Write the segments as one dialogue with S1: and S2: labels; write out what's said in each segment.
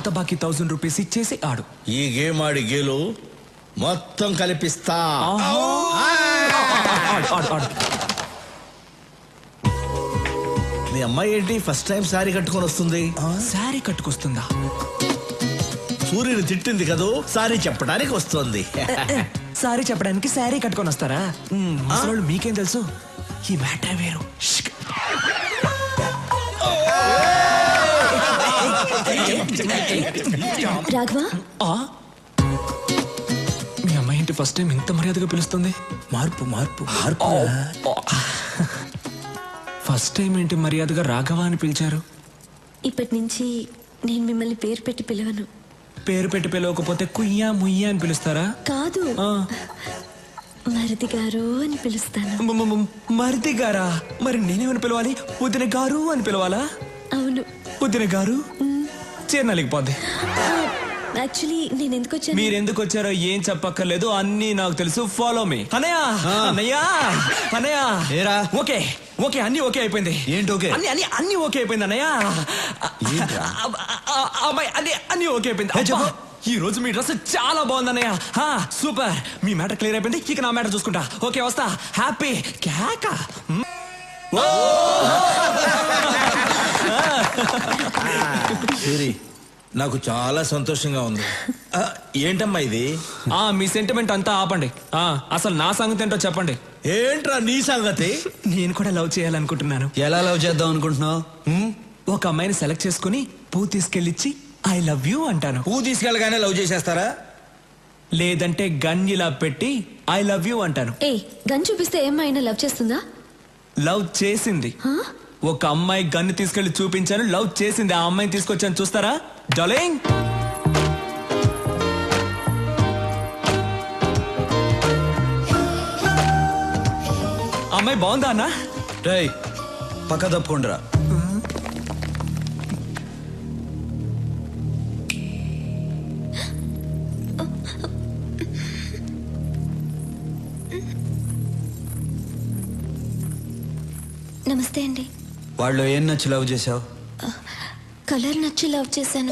S1: పాత బాకీ 1000 రూపీస్ ఇచ్చేసి ఆడు.
S2: ఈ గేమ్ ఆడి గేలు మొత్తం కలిపిస్తా. మీ అమ్మాయి ఏంటి ఫస్ట్ టైం సారీ కట్టుకొని వస్తుంది?
S1: సారీ కట్టుకొస్తుందా?
S2: సూర్యుని తిట్టింది కదూ, సారీ చెప్పడానికి వస్తుంది.
S1: సారీ చెప్పడానికి సారీ కట్టుకొని వస్తారా? అసలు మీకేం తెలుసు? ఈ మ్యాటర్ వేరు.
S3: రాఘవా,
S1: మీ అమ్మాయి ఏంటి ఫస్ట్ టైం ఇంత మర్యాదగా పిలుస్తుంది?
S2: మార్పు మార్పు మార్పు.
S1: ఫస్ట్ టైం ఏంటి మర్యాదగా రాఘవ అని పిలిచారు?
S3: ఇప్పటి నుంచి నేను మిమ్మల్ని పేరు పెట్టి పిలవను.
S1: పేరు పెట్టి పిలవకపోతే కుయ్యా ముయ్యా అని పిలుస్తారా?
S3: కాదు, మరిది గారు అని పిలుస్తాను.
S1: మరిది గారా? మరి నేనేమని పిలవాలి? వదిన గారు అని పిలవాలా?
S3: అవును.
S1: వదిన గారు చేరనలేకపోద్ది.
S3: యాక్చువల్లీ నేను ఎందుకు వచ్చాను?
S1: మీరు ఎందుకు వచ్చారో ఏం చెప్పక్కర్లేదు, అన్నీ నాకు తెలుసు. Follow me. అన్నయ్య అన్నయ్య అన్నయ్య.
S4: ఏరా?
S1: ఓకే ఓకే, అన్ని ఓకే అయిపోయింది.
S4: ఏంటి ఓకే?
S1: అన్ని అన్ని అన్ని ఓకే అయిపోయింది అన్నయ్య. అమ్మాయి అన్ని ఓకే అయిపోయింది.
S4: చెప్పు.
S1: ఈ రోజు మీ డ్రెస్ చాలా బాగుంది అన్నయ్య. సూపర్. మీ మ్యాటర్ క్లియర్ అయిపోయింది. ఇక నా మ్యాటర్ చూసుకుంటా. ఓకే వస్తా. హ్యాపీ కేక.
S2: సూరి, నాకు చాలా సంతోషంగా ఉంది. ఏంటమ్మా ఇది?
S1: మీ సెంటిమెంట్ అంతా ఆపండి. అసలు నా సంగతి ఏంటో చెప్పండి.
S2: ఏంట్రా నీ సంగతి?
S1: నేను కూడా లవ్ చేయాలనుకుంటున్నాను.
S4: ఎలా లవ్ చేద్దాం అనుకుంటున్నావు?
S1: ఒక అమ్మాయిని సెలెక్ట్ చేసుకుని పువ్వు తీసుకెళ్ళిచ్చి ఐ లవ్ యూ అంటాను.
S2: పువ్వు తీసుకెళ్ళగానే లవ్ చేసేస్తారా?
S1: లేదంటే గన్ ఇలా పెట్టి ఐ లవ్ యూ అంటాను.
S3: గన్ చూపిస్తే ఏమైనా లవ్ చేస్తుందా?
S1: లవ్ చేసింది. ఒక అమ్మాయి గన్ను తీసుకెళ్లి చూపించాను, లవ్ చేసింది. ఆ అమ్మాయిని తీసుకొచ్చాను, చూస్తారా డార్లింగ్? అమ్మాయి బాగుందా అన్న?
S4: రేయ్, పక్క తప్పుకుండ్రా.
S3: నమస్తే అండి.
S4: వాళ్ళు ఏం నచ్చి లవ్ చేసావు?
S3: కలర్ నచ్చి లవ్ చేశాను.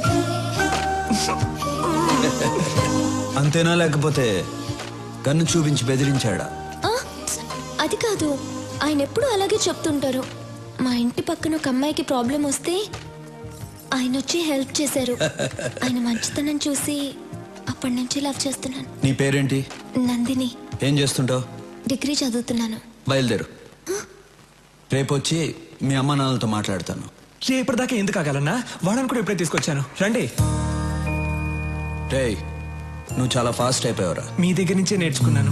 S4: అంతేనా, లేకపోతే గన్ను చూపించి బెదిరించాడా?
S3: అది కాదు, ఆయన ఎప్పుడు అలాగే చెప్తుంటారు. మా ఇంటి పక్కన ఒక అమ్మాయికి ప్రాబ్లం వస్తే ఆయన వచ్చి హెల్ప్ చేశారు. ఆయన మంచితనం చూసి అప్పటి నుంచి లవ్ చేస్తున్నాను.
S4: నీ పేరేంటి?
S3: నందిని.
S4: ఏం చేస్తుంటావు?
S3: డిగ్రీ చదువుతున్నాను.
S4: బయలుదేరు. రేపు వచ్చి మీ అమ్మ నాన్నలతో మాట్లాడతాను.
S1: రేపటిదాకా ఎందుకు ఆగాలన్నా? వాడని కూడా ఇప్పుడే తీసుకొచ్చాను, రండి.
S4: రేయ్, నువ్వు చాలా ఫాస్ట్ అయిపోయావురా.
S1: మీ దగ్గర నుంచే నేర్చుకున్నాను.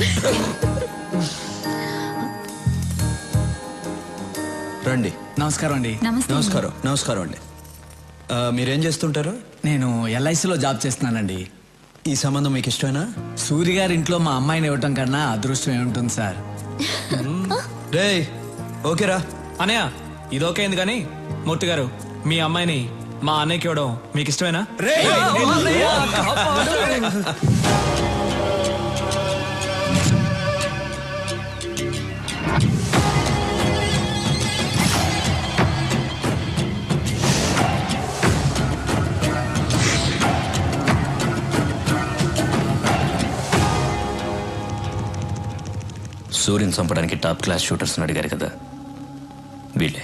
S4: రండి.
S5: నమస్కారం అండి.
S4: నమస్కారం. నమస్కారం అండి. మీరేం చేస్తుంటారు?
S5: నేను ఎల్ఐసిలో జాబ్ చేస్తున్నానండి.
S4: ఈ సంబంధం మీకు ఇష్టమేనా?
S5: సూర్య గారి ఇంట్లో మా అమ్మాయిని ఇవ్వటం కన్నా అదృష్టం ఏముంటుంది సార్?
S4: రేయ్, ఓకేరా?
S1: అన్నయ్య ఇది ఓకే అయింది, కానీ మూర్తి గారు మీ అమ్మాయిని మా అన్నయ్యకి ఇవ్వడం మీకు ఇష్టమేనా?
S6: సూర్యుని చంపడానికి టాప్ క్లాస్ షూటర్స్ అడిగారు కదా, వీళ్ళే.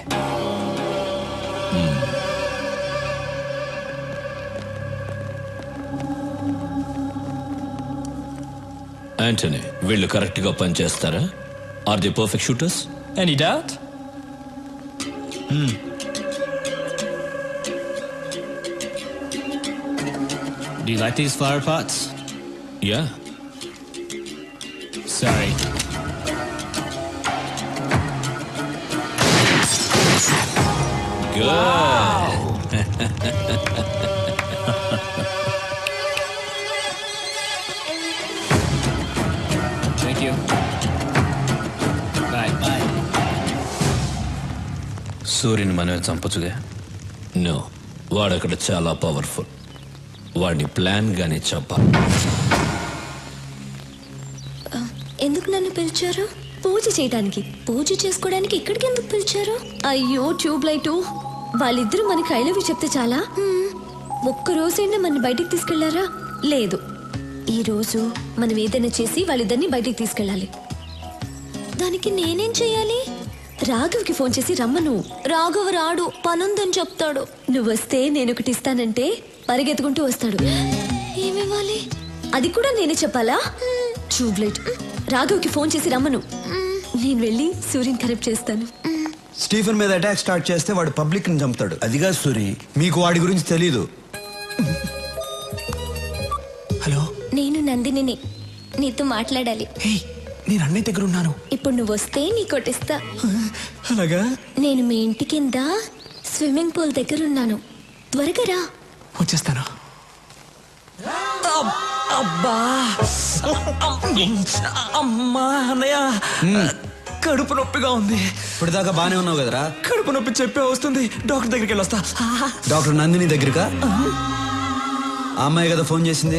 S6: యాంటనీ, వీళ్ళు కరెక్ట్ గా పనిచేస్తారా? Are the perfect shooters? Any doubt?
S7: Do you like these flower pots?
S6: Yeah.
S7: Sorry.
S6: Good.
S7: Thank you. Bye. Bye.
S6: సూర్యుని మనమే చంపచ్చుగా? నో, వాడక్కడ చాలా పవర్ఫుల్. వాడిని ప్లాన్ గానే చంపాలి.
S3: ఎందుకు నన్ను పిలిచారు? పూజ చేయడానికి. పూజ చేసుకోవడానికి ఇక్కడికి ఎందుకు పిలిచారు? అయ్యో ట్యూబ్ లైట్, వాళ్ళిద్దరూ మనకి ఐ లవ్ యూ చెప్తే చాలా. ఒక్క రోజైనా మన బయటికి తీసుకెళ్లారా? లేదు. ఈ రోజు మనం ఏదైనా చేసి వాళ్ళిద్దరిని బయటికి తీసుకెళ్ళాలి. దానికి నేనేం చెయ్యాలి? రాఘవ్కి ఫోన్ చేసి రమ్మను. రాఘవ్ రాడు, పనుందని చెప్తాడు. నువ్వు వస్తే నేను ఒకటి ఇస్తానంటే పరిగెత్తుకుంటూ వస్తాడు. ఏమివ్వాలి? అది కూడా నేనే చెప్పాలా? ట్యూబ్లైట్. రాఘవ్కి ఫోన్ చేసి రమ్మను. నేను వెళ్ళి సూర్యుని కరెక్ట్ చేస్తాను.
S4: స్టీఫెన్ మీద అటాక్ స్టార్ట్ చేస్తే వాడు పబ్లిక్ ని చంపుతాడు.
S2: అదిగా సూరి.
S4: మీకు వాడి గురించి తెలీదు.
S1: హలో,
S3: నేను నందినిని. నీతో మాట్లాడాలి.
S1: హే, నేను అన్నయ్య దగ్గర ఉన్నాను.
S3: ఇప్పుడు నువ్వు వస్తే నీ కొట్టిస్తా.
S1: అలాగా?
S3: నేను మీ ఇంటి కింద స్విమ్మింగ్ పూల్ దగ్గర ఉన్నాను. త్వరగా రా.
S1: వచ్చేస్తాను. అబ్బా, అమ్మా అన్నయ్య, కడుపు నొప్పిగా ఉంది.
S4: ఇప్పుడు దాకా బానే ఉన్నావు కదరా?
S1: కడుపు నొప్పి చెప్పే వస్తుంది. డాక్టర్ దగ్గరికి వెళ్ళొస్తా.
S4: డాక్టర్ నందిని దగ్గరకా? ఆ అమ్మాయి కదా ఫోన్ చేసింది.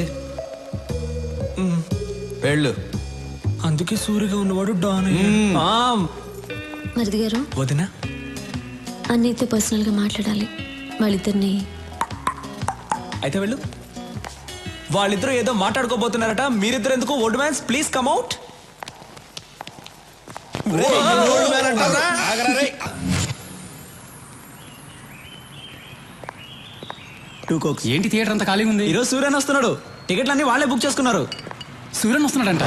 S4: వెళ్ళు.
S1: అందుకే సూరిగా ఉన్నవాడు డాన్.
S3: మరిది గారు,
S1: వదినా,
S3: అన్నయ్యతో పర్సనల్ గా మాట్లాడాలి. వాళ్ళిద్దరిని.
S1: అయితే వెళ్ళు. వాళ్ళిద్దరూ ఏదో మాట్లాడుకోబోతున్నారట. మీరిద్దరు ఎందుకు? Old mans please come out.
S7: ఏంటి థియేటర్ అంతా ఖాళీ ఉంది?
S5: ఈరోజు సూర్యన్ వస్తున్నాడు. టికెట్లన్నీ వాళ్ళే బుక్ చేసుకున్నారు.
S7: Suryan వస్తున్నాడంట.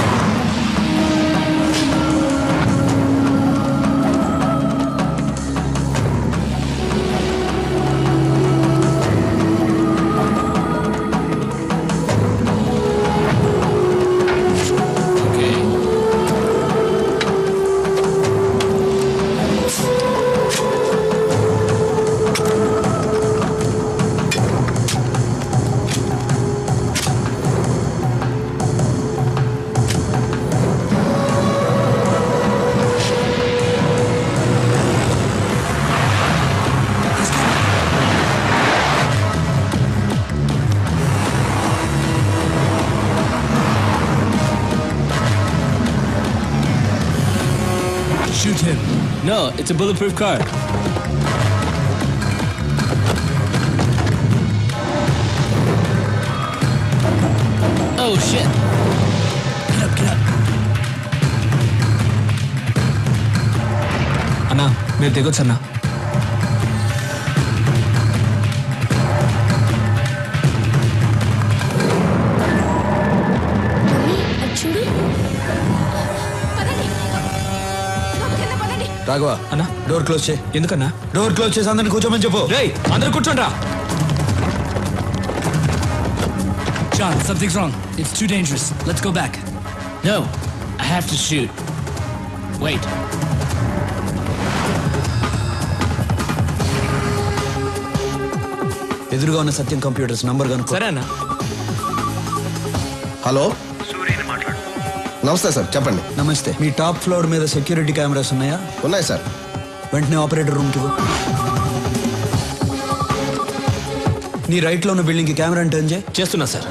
S7: Shoot him. No, it's a bulletproof car. Oh shit. Get up.
S1: అన్నా, మీరు దిగొచ్చు అన్నా.
S3: అది చూడు.
S4: రాఘవ
S1: అన్నా,
S4: డోర్ క్లోజ్ చేయి.
S1: ఎందుకన్నా?
S4: డోర్ క్లోజ్ చేసి అందరిని కూర్చోమని చెప్పు.
S1: రేయ్, అందరూ కూర్చోండ్రా.
S7: John, something's wrong. It's too dangerous. Let's go back. No, I have to shoot. Wait.
S4: ఎదురుగా ఉన్న సత్యం కంప్యూటర్స్ నంబర్ కనుక్కో.
S1: సరే అన్నా.
S2: హలో, నమస్తే సార్, చెప్పండి.
S4: నమస్తే. మీ టాప్ ఫ్లోర్ మీద సెక్యూరిటీ కెమెరాస్ ఉన్నాయా?
S2: ఉన్నాయి సార్.
S4: వెంటనే ఆపరేటర్ రూమ్ కి పో. నీ రైట్ లో ఉన్న బిల్డింగ్ కి కెమెరా టర్న్ చేయి.
S6: చేస్తున్నా సార్.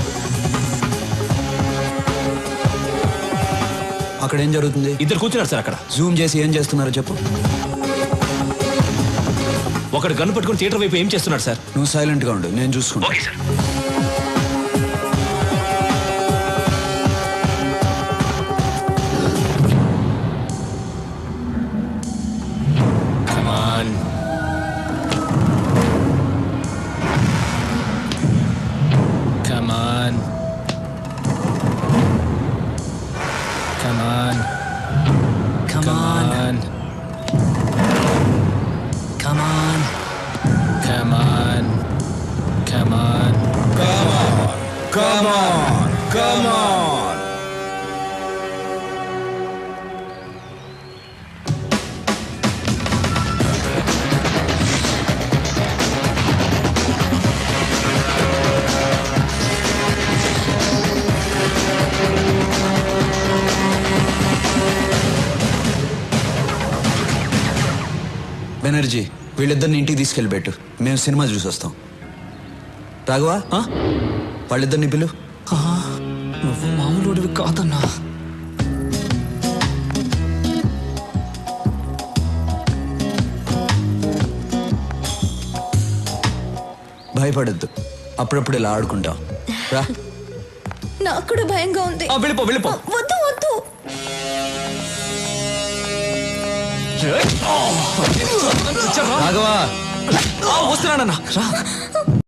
S4: అక్కడ ఏం జరుగుతుంది?
S6: ఇద్దరు కూర్చున్నారు సార్ అక్కడ.
S4: జూమ్ చేసి ఏం చేస్తున్నారో చెప్పు.
S6: ఒకడు గన్ను పట్టుకుని థియేటర్ వైపు ఏం చేస్తున్నాడు సార్?
S4: నువ్వు సైలెంట్ గా ఉండు, నేను చూసుకుంటా.
S7: Come on. Come on. Come on.
S5: Come on. Come on.
S7: Come on. Come on.
S2: Come on.
S4: Banerjee, వీళ్ళిద్దరిని ఇంటికి తీసుకెళ్ళి పెట్టు. మేము సినిమా చూసి వస్తాం. రాఘవా, వాళ్ళిద్దరిని పిలు.
S1: నువ్వు మామూలుడివి కాదన్నా.
S4: భాయ్ భయపడద్దు, అప్పుడప్పుడు ఇలా ఆడుకుంటాం. రా.
S3: నాకు కూడా భయంగా ఉంది.
S1: వెళ్ళిపో వెళ్ళిపో.
S3: వద్దు వద్దు.
S4: రాఘవా
S1: వస్తున్నానన్నా.